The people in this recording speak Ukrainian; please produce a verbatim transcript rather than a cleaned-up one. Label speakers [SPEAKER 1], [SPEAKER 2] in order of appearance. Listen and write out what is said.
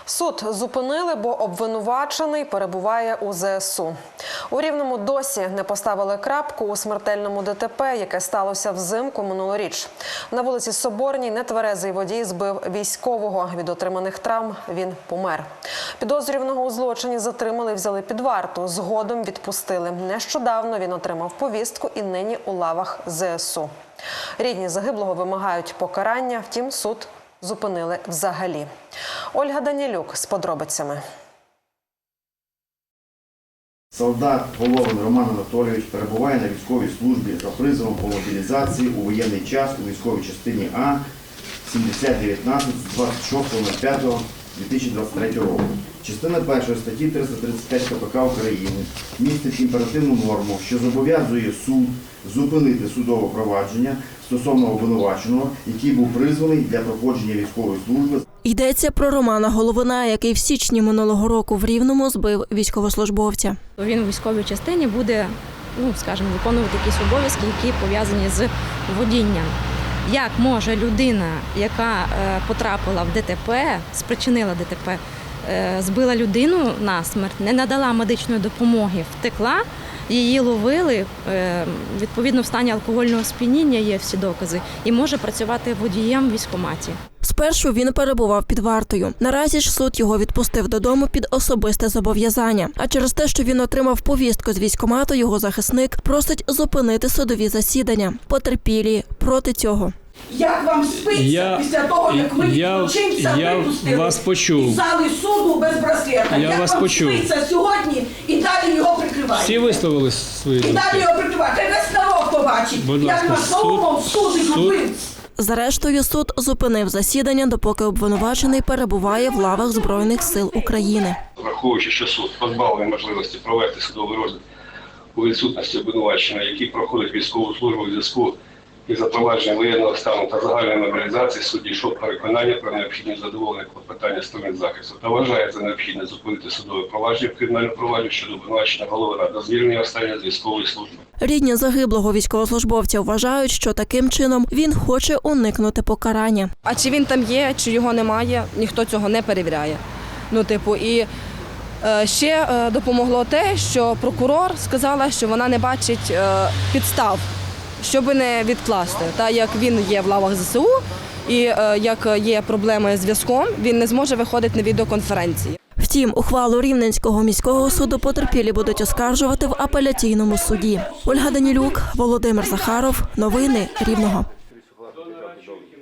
[SPEAKER 1] Суд зупинили, бо обвинувачений перебуває у зе ес у. У Рівному досі не поставили крапку у смертельному де те пе, яке сталося взимку минулоріч. На вулиці Соборній нетверезий водій збив військового. Від отриманих травм він помер. Підозрюваного у злочині затримали і взяли під варту. Згодом відпустили. Нещодавно він отримав повістку і нині у лавах зе ес у. Рідні загиблого вимагають покарання, втім суд зупинили взагалі. Ольга Данілюк з подробицями.
[SPEAKER 2] Солдат Головин Роман Анатолійович перебуває на військовій службі за призовом по мобілізації у воєнний час у військовій частині А сімдесят дев'ятнадцять з двадцять шостого п'ятого дві тисячі двадцять третього року. Частина першої статті триста тридцять п'ять ка пе ка України містить імперативну норму, що зобов'язує суд зупинити судове провадження стосовно обвинуваченого, який був призваний для проходження військової служби.
[SPEAKER 3] Йдеться про Романа Головина, який в січні минулого року в Рівному збив військовослужбовця.
[SPEAKER 4] Він у військовій частині буде, ну, скажімо, виконувати якісь обов'язки, які пов'язані з водінням. Як може людина, яка потрапила в де те пе, спричинила де те пе, збила людину насмерть, не надала медичної допомоги, втекла, її ловили, відповідно в стані алкогольного сп'яніння є всі докази, і може працювати водієм в військкоматі.
[SPEAKER 3] Спершу він перебував під вартою. Наразі ж суд його відпустив додому під особисте зобов'язання. А через те, що він отримав повістку з військкомату, його захисник просить зупинити судові засідання. Потерпілі проти цього.
[SPEAKER 5] Як вам спиться я, після того, як ви злочинця випустили
[SPEAKER 6] вас почув.
[SPEAKER 5] із зали суду без браслета?
[SPEAKER 6] Я
[SPEAKER 5] як
[SPEAKER 6] вас
[SPEAKER 5] вам
[SPEAKER 6] почув.
[SPEAKER 5] спиться сьогодні і далі його прикривають?
[SPEAKER 6] Всі висловили свої
[SPEAKER 5] думки. І далі його прикривають. Хай весь народ побачить,
[SPEAKER 6] будь
[SPEAKER 5] як
[SPEAKER 6] ласка,
[SPEAKER 5] вас знову судить убивць.
[SPEAKER 3] Зрештою, суд зупинив засідання, допоки обвинувачений перебуває в лавах Збройних сил України.
[SPEAKER 7] Враховуючи, що суд позбавлений можливості провести судовий розгляд у відсутності обвинуваченого, який проходить військову службу у зв'язку із запровадженням воєнного стану та загальної мобілізації, суд дійшов переконання про необхідність задоволення клопотання сторін захисту та вважає за необхідне зупинити судове провадження в кримінальному провадженні щодо обвинуваченого Головина до звільнення останнього з військової служби.
[SPEAKER 3] Рідні загиблого військовослужбовця вважають, що таким чином він хоче уникнути покарання.
[SPEAKER 8] А чи він там є, чи його немає, ніхто цього не перевіряє. Ну, типу, і е, ще е, допомогло те, що прокурор сказала, що вона не бачить е, підстав, щоб не відкласти. Та як він є в лавах зе ес у і е, як є проблеми з зв'язком, він не зможе виходити на відеоконференції.
[SPEAKER 3] Втім, ухвалу Рівненського міського суду потерпілі будуть оскаржувати в апеляційному суді. Ольга Данілюк, Володимир Захаров. Новини Рівного.